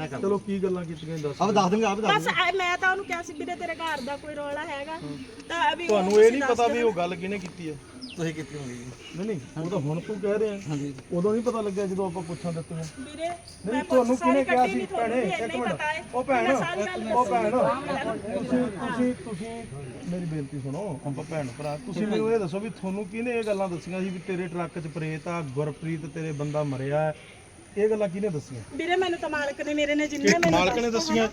ਚਲੋ ਕੀ ਗੱਲਾਂ ਕੀਤੀਆਂ ਦੱਸ। ਆਪ ਦੱਸ ਦਿੰਗੇ, ਆਪ ਦੱਸ ਬਸ ਮੈਂ ਤਾਂ ਉਹਨੂੰ ਕਿਹਾ ਸੀ ਵੀਰੇ ਤੇਰੇ ਘਰ ਦਾ ਕੋਈ ਰੌਲਾ ਹੈਗਾ ਤਾਂ ਅਭੀ ਤੁਹਾਨੂੰ ਇਹ ਨਹੀਂ ਪਤਾ ਵੀ ਉਹ ਗੱਲ ਕਿਹਨੇ ਕੀਤੀ ਹੈ? ਤੁਸੀਂ ਕੀਤੀ ਹੋਣੀ ਜੀ। ਨਹੀਂ ਉਹ ਤਾਂ ਹੁਣ ਤੂੰ ਕਹਿ ਰਿਹਾ। ਹਾਂਜੀ ਉਦੋਂ ਨਹੀਂ ਪਤਾ ਲੱਗਿਆ ਜਦੋਂ ਆਪਾਂ ਪੁੱਛਾਂ ਦਿੱਤੀਆਂ। ਵੀਰੇ ਨਹੀਂ ਤੁਹਾਨੂੰ ਕਿਹਨੇ ਕਿਹਾ ਸੀ ਭੈਣੇ? ਇੱਕ ਮਿੰਟ ਉਹ ਭੈਣ ਤੁਸੀਂ ਮੇਰੀ ਬੇਨਤੀ ਸੁਣੋ। ਆਪਾਂ ਭੈਣ ਭਰਾ ਤੁਸੀਂ ਮੈਨੂੰ ਇਹ ਦੱਸੋ ਵੀ ਤੁਹਾਨੂੰ ਕਿਹਨੇ ਇਹ ਗੱਲਾਂ ਦੱਸੀਆਂ ਸੀ ਵੀ ਤੇਰੇ ਟਰੱਕ 'ਚ ਪ੍ਰੇਤ ਆ, ਗੁਰਪ੍ਰੀਤ ਤੇਰੇ ਬੰਦਾ ਮਰਿਆ ਹੈ? ਇਹ ਗੱਲਾਂ ਕਿਹਨੇ ਦੱਸੀਆਂ? ਵੀਰੇ ਮੈਨੂੰ ਤਾਂ ਮਾਲਕ ਨੇ ਮੇਰੇ ਨੇ ਜਿੰਨੇ ਮੈਨੂੰ ਮਾਲਕ ਨੇ ਦੱਸੀਆਂ?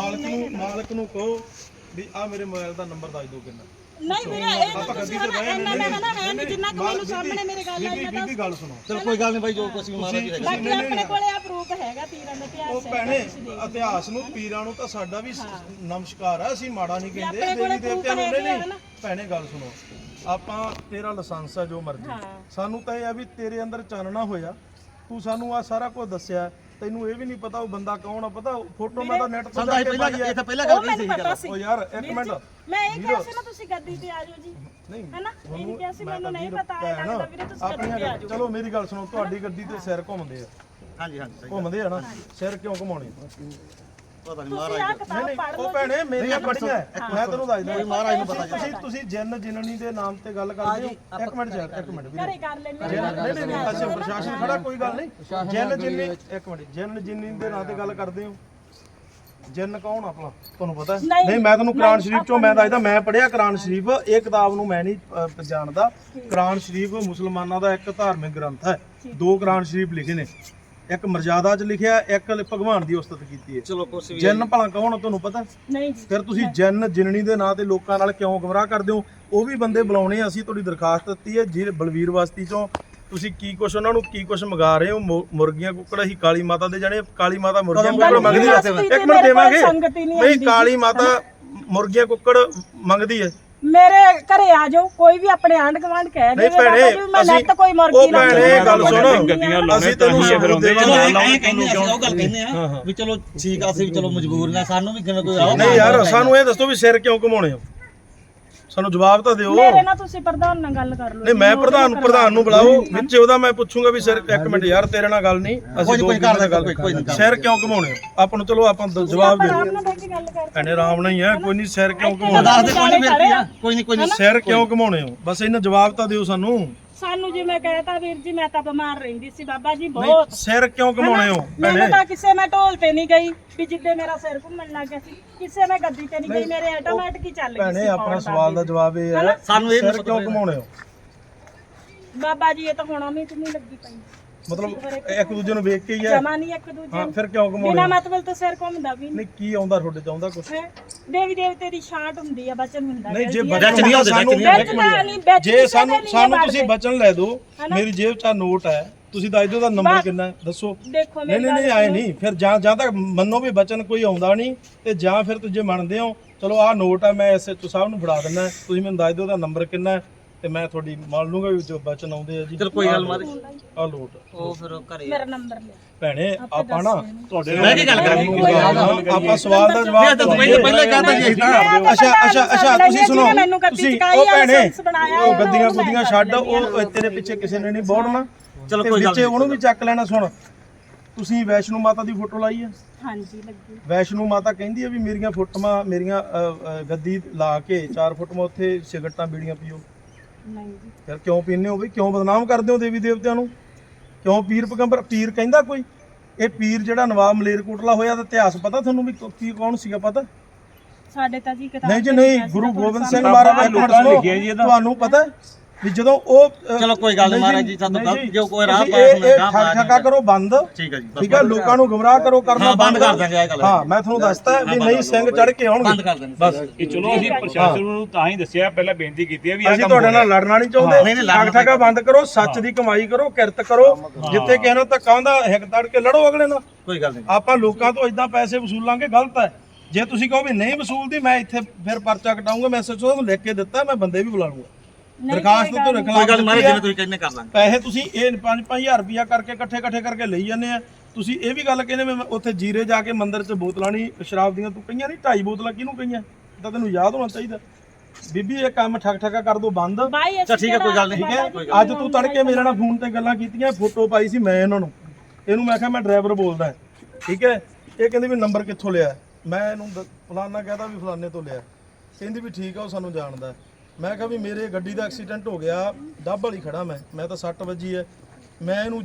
ਮਾਲਕ ਨੂੰ ਕਹੋ ਵੀ ਆ ਮੇਰੇ ਮੋਬਾਈਲ ਦਾ ਨੰਬਰ ਦੱਸ ਦਿਓ ਕਿੰਨਾ। ਨਹੀਂ ਵੀਰੇ ਇਹ ਤਾਂ ਤੁਸੀਂ ਇੰਨਾ ਮੈਂ ਕਹਿੰਦਾ ਹੈ ਨਹੀਂ ਜਿੰਨਾ ਕਿ ਮੈਨੂੰ ਸਾਹਮਣੇ ਮੇਰੇ ਗੱਲ ਆਈ ਹੈ ਬੀਬੀ ਗੱਲ ਸੁਣੋ। ਚਲ ਕੋਈ ਗੱਲ ਨਹੀਂ ਬਾਈ, ਜੋ ਕੁਛ ਵੀ ਮਹਾਰਾਜ ਜੀ ਹੈਗਾ। ਬਾਕੀ ਆਪਣੇ ਕੋਲੇ ਆ ਪ੍ਰੂਫ ਹੈਗਾ ਪੀਰਾਂ ਦਾ ਇਤਿਹਾਸ ਉਹ ਭੈਣੇ ਇਤਿਹਾਸ ਨੂੰ ਪੀਰਾਂ ਨੂੰ ਤਾਂ ਸਾਡਾ ਵੀ ਨਮਸਕਾਰ ਆ, ਅਸੀਂ ਮਾੜਾ ਨਹੀਂ ਕਹਿੰਦੇ। ਦੇਵੀ ਦੇਵਤਿਆਂ ਨੂੰ ਨਹੀਂ। ਭੈਣੇ ਗੱਲ ਸੁਣੋ, ਆਪਾਂ ਤੇਰਾ ਲਾਇਸੈਂਸ ਆ ਜੋ ਮਰਜ਼ੀ, ਸਾਨੂੰ ਤਾਂ ਇਹ ਆ ਵੀ ਤੇਰੇ ਅੰਦਰ ਚਾਨਣਾ ਹੋਇਆ। ਤੂੰ ਸਾਨੂੰ ਆ ਸਾਰਾ ਕੁਝ ਦੱਸਿਆ, ਤੈਨੂੰ ਇਹ ਵੀ ਨਹੀਂ ਪਤਾ ਉਹ ਬੰਦਾ ਕੌਣ ਆ। ਪਤਾ ਫੋਟੋ ਮੈਂ ਤਾਂ ਨੈਟ ਤੋਂ ਜਾ ਕੇ ਪਾਈ ਆ। ਪਹਿਲਾਂ ਗੱਲ ਕਹੀ ਸੀ ਉਹ ਯਾਰ ਇੱਕ ਮਿੰਟ, ਮੈਂ ਇਹ ਕਿਹਾ ਸੀ ਨਾ ਤੁਸੀਂ ਗੱਦੀ ਤੇ ਆ ਜਾਓ ਜੀ, ਨਹੀਂ ਹੈਨਾ? ਇਹ ਕਿਹਾ ਸੀ ਮੈਨੂੰ ਨਹੀਂ ਪਤਾ ਆਇਆ ਲੱਗਦਾ ਵੀਰੇ ਤੁਸੀਂ ਗੱਦੀ ਤੇ ਆ ਜਾਓ। ਚਲੋ ਮੇਰੀ ਗੱਲ ਸੁਣੋ, ਤੁਹਾਡੀ ਗੱਡੀ ਤੇ ਸਿਰ ਘੁੰਮਦੇ ਆ। ਹਾਂਜੀ ਹਾਂਜੀ ਘੁੰਮਦੇ ਆ ਨਾ, ਸਿਰ ਕਿਉਂ ਘੁਮਾਉਣੇ? ਪਤਾ ਨਹੀਂ ਤੁਸੀਂ ਆ ਕਿਤਾਬ ਪੜ੍ਹ ਲਓ। ਉਹ ਭੈਣੇ ਮੇਰੀਆਂ ਪੜੀਆਂ ਮੈਂ ਤੈਨੂੰ ਦੱਸਦਾ ਮਹਾਰਾਜ ਨੂੰ ਪਤਾ। ਤੁਸੀਂ ਜਿੰਨ ਜਿਨਨੀ ਦੇ ਨਾਮ ਤੇ ਗੱਲ ਕਰਦੇ ਹੋ। ਇੱਕ ਮਿੰਟ ਯਾਰ, ਇੱਕ ਮਿੰਟ ਘਰੇ ਕਰ ਲੈਣੇ ਨਹੀਂ ਅੱਛਾ ਪ੍ਰਸ਼ਾਸਨ ਖੜਾ, ਕੋਈ ਗੱਲ ਨਹੀਂ। ਜਿੰਨ ਜਿੰਨੀ ਇੱਕ ਮਿੰਟ, ਜਿੰਨ ਜਿੰਨੀ ਦੇ ਨਾਂ ਤੇ ਗੱਲ ਕਰਦੇ ਹੋ। ਜਿੰਨ ਕੌਣ ਆਪਣਾ ਤੁਹਾਨੂੰ ਪਤਾ? ਨਹੀਂ ਮੈਂ ਤੁਹਾਨੂੰ ਕੁਰਾਨ ਸ਼ਰੀਫ ਚੋਂ ਮੈਂ ਦੱਸਦਾ, ਮੈਂ ਪੜਿਆ ਕੁਰਾਨ ਸ਼ਰੀਫ। ਇਹ ਕਿਤਾਬ ਨੂੰ ਮੈਂ ਨਹੀਂ ਜਾਣਦਾ। ਕੁਰਾਨ ਸ਼ਰੀਫ ਮੁਸਲਮਾਨਾਂ ਦਾ ਇੱਕ ਧਾਰਮਿਕ ਗ੍ਰੰਥ ਹੈ। 2 ਕੁਰਾਨ ਸ਼ਰੀਫ ਲਿਖੇ ਨੇ, ਇੱਕ ਮਰਜ਼ਾਦਾ 'ਚ ਲਿਖਿਆ, ਇੱਕ ਭਗਵਾਨ ਦੀ ਉਸਤਤ ਕੀਤੀ ਹੈ। ਚਲੋ ਕੁਛ ਵੀ ਜਿੰਨ ਭਲਾ ਕੌਣ ਤੁਹਾਨੂੰ ਪਤਾ? ਨਹੀਂ ਜੀ। ਫਿਰ ਤੁਸੀਂ ਜਿੰਨ ਜਿਨਣੀ ਦੇ ਨਾਂ ਤੇ ਲੋਕਾਂ ਨਾਲ ਕਿਉਂ ਗੁੰਮਰਾਹ ਕਰਦੇ ਹੋ? ਉਹ ਵੀ ਬੰਦੇ ਬੁਲਾਉਣੇ। ਅਸੀਂ ਤੁਹਾਡੀ ਦਰਖਾਸਤ ਦਿੱਤੀ ਹੈ ਜੀ ਬਲਵੀਰ ਬਸਤੀ ਚੋਂ। ਤੁਸੀਂ ਕੀ ਕੁਛ ਉਹਨਾਂ ਨੂੰ ਕੀ ਕੁਛ ਮੰਗਾ ਰਹੇ ਹੋ? ਮੁਰਗੀਆਂ ਕੁੱਕੜ ਅਸੀਂ ਕਾਲੀ ਮਾਤਾ ਦੇ ਜਾਣੇ। ਕਾਲੀ ਮਾਤਾ ਮੁਰਗੀਆਂ ਕੁੱਕੜ ਮੰਗਦੀ ਹੈ। ਇੱਕ ਮਿੰਟ ਦੇਵਾਂਗੇ। ਨਹੀਂ ਕਾਲੀ ਮਾਤਾ ਮੁਰਗੀਆਂ ਕੁੱਕੜ ਮੰਗਦੀ ਹੈ। ਮੇਰੇ ਘਰੇ ਆ ਜਾਓ, ਕੋਈ ਵੀ ਆਪਣੇ ਆਂਢ ਗਵਾਂਢ ਕਹਿ ਦੇ ਭੈਣੇ ਮੈਂ ਨੈਟ ਕੋਈ ਮੁਰਗੀ ਨਾ। ਭੈਣੇ ਗੱਲ ਸੁਣ, ਅਸੀਂ ਤੈਨੂੰ ਚਲੋ ਐਂ ਕਹਿੰਦੇ ਅਸੀਂ ਉਹ ਗੱਲ ਕਹਿੰਦੇ ਆ ਵੀ ਚਲੋ ਠੀਕ ਆ, ਅਸੀਂ ਵੀ ਚਲੋ ਮਜਬੂਰ ਨੇ, ਸਾਨੂੰ ਵੀ ਕਿਵੇਂ ਕੋਈ ਆਓ। ਨਹੀਂ ਯਾਰ ਸਾਨੂੰ ਇਹ ਦੱਸੋ ਵੀ ਸਿਰ ਕਿਉਂ ਘਮਾਉਣੇ ਹੋ? ਸਾਨੂੰ ਜਵਾਬ ਤਾਂ ਦਿਓ। ਮੇਰੇ ਨਾਲ ਤੁਸੀਂ ਪ੍ਰਧਾਨ ਨਾਲ ਗੱਲ ਕਰ ਲਓ। ਨਹੀਂ ਮੈਂ ਪ੍ਰਧਾਨ ਨੂੰ ਬੁਲਾਓ ਵਿੱਚ, ਉਹਦਾ ਮੈਂ ਪੁੱਛੂੰਗਾ ਵੀ ਸਿਰ। ਇੱਕ ਮਿੰਟ ਯਾਰ, ਤੇਰੇ ਨਾਲ ਗੱਲ ਨਹੀਂ, ਅਸੀਂ ਦੋ ਮਿੰਟ ਗੱਲ। ਸਿਰ ਕਿਉਂ ਘਮਾਉਣੇ ਹੋ? ਆਪਾਂ ਨੂੰ ਚਲੋ ਆਪਾਂ ਜਵਾਬ ਦੇ ਦਿਓ। ਭੈਣੇ ਆਰਾਮ ਨਾਲ ਹੀ ਹੈ, ਕੋਈ ਨਹੀਂ। ਸਿਰ ਕਿਉਂ ਘਮਾਉਣੇ? ਦੱਸ ਦੇ ਕੋਈ ਨਹੀਂ ਕੋਈ ਨਹੀਂ। ਸਿਰ ਕਿਉਂ ਘਮਾਉਣੇ ਹੋ? ਬਸ ਇਹਨਾਂ ਜਵਾਬ ਤਾਂ ਦਿਓ ਸਾਨੂੰ। ਸਾਨੂੰ ਜੀ ਮੈਂ ਕਹਿਤਾ ਵੀਰ ਜੀ, ਮੈਂ ਤਾਂ ਬਿਮਾਰ ਰਹਿੰਦੀ ਸੀ ਬਾਬਾ ਜੀ ਬਹੁਤ। ਸਿਰ ਕਿਉਂ ਘਮਾਉਣੇ ਹੋ? ਮੈਨੂੰ ਤਾਂ ਕਿਸੇ ਮੈਂ ਢੋਲ ਤੇ ਨਹੀਂ ਗਈ ਵੀ ਜਿੱਦੇ ਮੇਰਾ ਸਿਰ ਘੁੰਮਣ ਲੱਗ ਗਿਆ ਸੀ। ਕਿਸੇ ਮੈਂ ਗੱਦੀ ਤੇ ਨਹੀਂ ਗਈ, ਮੇਰੇ ਆਟੋਮੈਟਿਕ ਹੀ ਚੱਲ ਗਈ ਸੀ। ਭੈਣੇ ਆਪਣਾ ਸਵਾਲ ਦਾ ਜਵਾਬ ਇਹ ਹੈ, ਸਾਨੂੰ ਇਹ ਸਿਰ ਕਿਉਂ ਘਮਾਉਣੇ ਹੋ? ਬਾਬਾ ਜੀ ਇਹ ਤਾਂ ਹੁਣ ਉਮੀਦ ਨਹੀਂ ਲੱਗੀ ਪਈ, ਮਤਲਬ ਇੱਕ ਦੂਜੇ ਨੂੰ ਵੇਖ ਕੇ ਹੀ ਹੈ। ਜਮਾ ਨਹੀਂ ਇੱਕ ਦੂਜੇ ਹਾਂ ਫਿਰ ਕਿਉਂ ਘਮਾਉਣੇ? ਬਿਨਾ ਮਤਲਬ ਤੋਂ ਸਿਰ ਘੁੰਮਦਾ ਵੀ ਨਹੀਂ ਕੀ ਆਉਂਦਾ ਤੁਹਾਡੇ ਚ? ਆਉਂਦਾ ਕੁਛ? ਦੇਵੀ ਦੇਵਤੇ ਦੀ ਛਾਂਟ ਹੁੰਦੀ ਆ, ਬਚਨ ਹੁੰਦਾ। ਨਹੀਂ ਜੇ ਬਚਨ ਨਹੀਂ ਸਾਨੂੰ, ਜੇ ਸਾਨੂੰ ਤੁਸੀਂ ਬਚਨ ਲੈ ਦਿਓ। ਮੇਰੀ ਜੇਬ 'ਚ ਨੋਟ ਹੈ, ਤੁਸੀਂ ਦੱਸ ਦਿਓ ਦਾ ਨੰਬਰ ਕਿੰਨਾ ਹੈ, ਦੱਸੋ। ਦੇਖੋ ਨਹੀਂ ਆਏ ਨਹੀਂ। ਫਿਰ ਜਾਂ ਤੱਕ ਮੰਨੋ ਵੀ ਬਚਨ ਕੋਈ ਆਉਂਦਾ ਨਹੀਂ, ਤੇ ਜਾਂ ਫਿਰ ਤੁਸੀਂ ਮੰਨਦੇ ਹੋ ਚਲੋ ਆਹ ਨੋਟ ਹੈ, ਮੈਂ ਐਸਐਚਓ ਸਾਹਿਬ ਨੂੰ ਫੜਾ ਦਿੰਦਾ, ਤੁਸੀਂ ਮੈਨੂੰ ਦੱਸ ਦਿਓ ਦਾ ਨੰਬਰ ਕਿੰਨਾ ਹੈ, ਤੇ ਮੈਂ ਤੁਹਾਡੀ ਮੰਨ ਲੂੰਗਾ ਵੀ ਜੋ ਬਚਨ ਆਉਂਦੇ ਆ ਜੀ। ਚਲ ਕੋਈ ਗੱਲ ਮਾਰੇ ਆਹ ਲੋਟ ਉਹ ਫਿਰ ਘਰੇ ਮੇਰਾ ਨੰਬਰ ਲੈ ਭੈਣੇ ਆਪਾਂ ਨਾ ਤੁਹਾਡੇ ਮੈਂ ਕੀ ਗੱਲ ਕਰਾਂਗੀ? ਆਪਾਂ ਸਵਾਲ ਦਾ ਜਵਾਬ ਪਹਿਲਾਂ ਕਹਿੰਦਾ ਜੀ ਅੱਛਾ ਤੁਸੀਂ ਸੁਣੋ। ਤੁਸੀਂ ਉਹ ਭੈਣੇ ਉਹ ਗੱਦੀਆਂ ਗੁੱਦੀਆਂ ਛੱਡ, ਉਹ ਤੇਰੇ ਪਿੱਛੇ ਕਿਸੇ ਨੇ ਨਹੀਂ ਬੋੜਨਾ। ਚਲੋ ਕੋਈ ਗੱਲ ਨਹੀਂ, ਉਹਨੂੰ ਵੀ ਚੱਕ ਲੈਣਾ। ਸੁਣ, ਤੁਸੀਂ ਵੈਸ਼ਨੂ ਮਾਤਾ ਦੀ ਫੋਟੋ ਲਾਈ ਹੈ? ਹਾਂਜੀ ਲੱਗੀ। ਵੈਸ਼ਨੂ ਮਾਤਾ ਕਹਿੰਦੀ ਹੈ ਵੀ ਮੇਰੀਆਂ ਫੋਟੋਆਂ, ਮੇਰੀਆਂ ਗੱਦੀ ਲਾ ਕੇ 4 ਫੋਟੋਆਂ ਉੱਥੇ ਸਿਗਰਟਾਂ ਬੀੜੀਆਂ ਪੀਓ। ਨਹੀਂ ਜੀ। ਫਿਰ ਕਿਉਂ ਪੀਂਦੇ ਹੋ ਬਈ? ਕਿਉਂ ਬਦਨਾਮ ਕਰਦੇ ਹੋ ਦੇਵੀ ਦੇਵਤਿਆਂ ਨੂੰ? ਕਿਉਂ ਪੀਰ ਪੈਗੰਬਰ? ਪੀਰ ਕਹਿੰਦਾ ਕੋਈ? ਇਹ ਪੀਰ ਜਿਹੜਾ ਨਵਾਬ ਮਲੇਰਕੋਟਲਾ ਹੋਇਆ ਦਾ ਇਤਿਹਾਸ ਪਤਾ ਤੁਹਾਨੂੰ ਵੀ ਕੀ ਕੌਣ ਸੀਗਾ ਪਤਾ? ਸਾਡੇ ਤਾਂ ਜੀ ਕਿਤਾਬ ਨਹੀਂ ਜੀ ਨਹੀਂ, ਗੁਰੂ ਗੋਬਿੰਦ ਸਿੰਘ ਮਹਾਰਾਜ ਤੁਹਾਨੂੰ ਪਤਾ ਵੀ ਜਦੋਂ ਉਹ ਚਲੋ ਕੋਈ ਗੱਲ ਨਹੀਂ ਮਹਾਰਾਜ ਜੀ, ਸਾਨੂੰ ਗਲਤ ਜੋ ਕੋਈ ਰਾਹ ਠੱਗਾ ਕਰੋ ਬੰਦ। ਠੀਕ ਹੈ ਜੀ, ਠੀਕ ਹੈ, ਲੋਕਾਂ ਨੂੰ ਗੁੰਮਰਾਹ ਕਰੋ ਕਰਨਾ ਬੰਦ ਕਰ ਦਾਂਗੇ ਇਹ ਗੱਲ। ਹਾਂ ਮੈਂ ਤੁਹਾਨੂੰ ਦੱਸਤਾ ਵੀ ਨਹੀਂ ਸਿੰਘ ਚੜ ਕੇ ਆਉਣਗੇ, ਬੰਦ ਕਰ ਦਾਂਗੇ ਬਸ। ਇਹ ਚਲੋ ਅਸੀਂ ਪ੍ਰਸ਼ਾਸਨ ਨੂੰ ਤਾਂ ਹੀ ਦੱਸਿਆ, ਪਹਿਲਾਂ ਬੇਨਤੀ ਕੀਤੀ ਹੈ ਵੀ ਅਸੀਂ ਤੁਹਾਡੇ ਨਾਲ ਲੜਨਾ ਨਹੀਂ ਚਾਹੁੰਦੇ। ਠੱਗਾ ਬੰਦ ਕਰੋ, ਸੱਚ ਦੀ ਕਮਾਈ ਕਰੋ, ਕਿਰਤ ਕਰੋ। ਜਿੱਥੇ ਕਿਸੇ ਨੂੰ ਧੱਕਾ ਹੁੰਦਾ ਹਿੱਕ ਤੜ ਕੇ ਲੜੋ ਅਗਲੇ ਨਾਲ। ਕੋਈ ਗੱਲ ਨਹੀਂ। ਆਪਾਂ ਲੋਕਾਂ ਤੋਂ ਇਦਾਂ ਪੈਸੇ ਵਸੂਲਾਂਗੇ, ਗਲਤ ਹੈ। ਜੇ ਤੁਸੀਂ ਕਹੋ ਵੀ ਨਹੀਂ ਵਸੂਲਦੀ, ਮੈਂ ਇੱਥੇ ਫਿਰ ਪਰਚਾ ਕਟਾਉਂਗਾ। ਮੈਂ ਐਸਐਚਓ ਨੂੰ ਲਿਖ ਕੇ ਦਿੱਤਾ, ਮੈਂ ਬੰਦੇ ਵੀ ਬੁਲਾ ਲੂੰਗਾ। ਦਰਖਾਸਤ ਤੋਂ ਕੋਈ ਗੱਲ ਮਾਰੇ ਜਿਵੇਂ ਤੁਸੀਂ ਕਹਿੰਦੇ ਕਰ ਲਾਂਗੇ। ਪੈਸੇ ਤੁਸੀਂ ਇਹ 5-5000 ਰੁਪਇਆ ਕਰਕੇ ਇਕੱਠੇ ਕਰਕੇ ਲਈ ਜਾਂਦੇ ਆ। ਤੁਸੀਂ ਇਹ ਵੀ ਗੱਲ ਕਹਿੰਦੇ ਮੈਂ ਉੱਥੇ ਜੀਰੇ ਜਾ ਕੇ ਮੰਦਿਰ 'ਚ ਬੋਤਲਾਂ ਨਹੀਂ ਸ਼ਰਾਬ ਦੀਆਂ ਤੂੰ ਕਹੀਆਂ ਨਹੀਂ, 2.5 ਬੋਤਲਾਂ ਕਿਹਨੂੰ ਕਹੀਆਂ? ਤਾਂ ਤੈਨੂੰ ਯਾਦ ਹੋਣਾ ਚਾਹੀਦਾ। ਬੀਬੀ ਇਹ ਕੰਮ ਠੱਗਾ ਕਰ ਦੋ ਬੰਦ। ਚਲ ਠੀਕ ਹੈ, ਕੋਈ ਗੱਲ ਨਹੀਂ। ਠੀਕ ਹੈ, ਅੱਜ ਤੂੰ ਤੜਕੇ ਮੇਰੇ ਨਾਲ ਫੋਨ ਤੇ ਗੱਲਾਂ ਕੀਤੀਆਂ, ਫੋਟੋ ਪਾਈ ਸੀ ਮੈਂ ਇਹਨਾਂ ਨੂੰ। ਇਹਨੂੰ ਮੈਂ ਕਿਹਾ ਮੈਂ ਡਰਾਈਵਰ ਬੋਲਦਾ, ਠੀਕ ਹੈ। ਇਹ ਕਹਿੰਦੀ ਵੀ ਨੰਬਰ ਕਿੱਥੋਂ ਲਿਆ? ਮੈਂ ਇਹਨੂੰ ਫਲਾਨਾ ਕਹਦਾ ਵੀ ਫਲਾਨੇ ਤੋਂ ਲਿਆ। ਕਹਿੰਦੀ ਵੀ ਠੀਕ ਆ, ਉਹ ਸਾਨੂੰ ਜਾਣਦਾ। ਮੈਂ ਕਿਹਾ ਵੀ ਮੇਰੇ ਗੱਡੀ ਦਾ ਐਕਸੀਡੈਂਟ ਹੋ ਗਿਆ, ਡੱਬ ਵਾਲੀ ਖੜਾ ਮੈਂ ਤਾਂ 60 ਵੱਜੀ ਹੈ, ਮੈਂ ਇਹਨੂੰ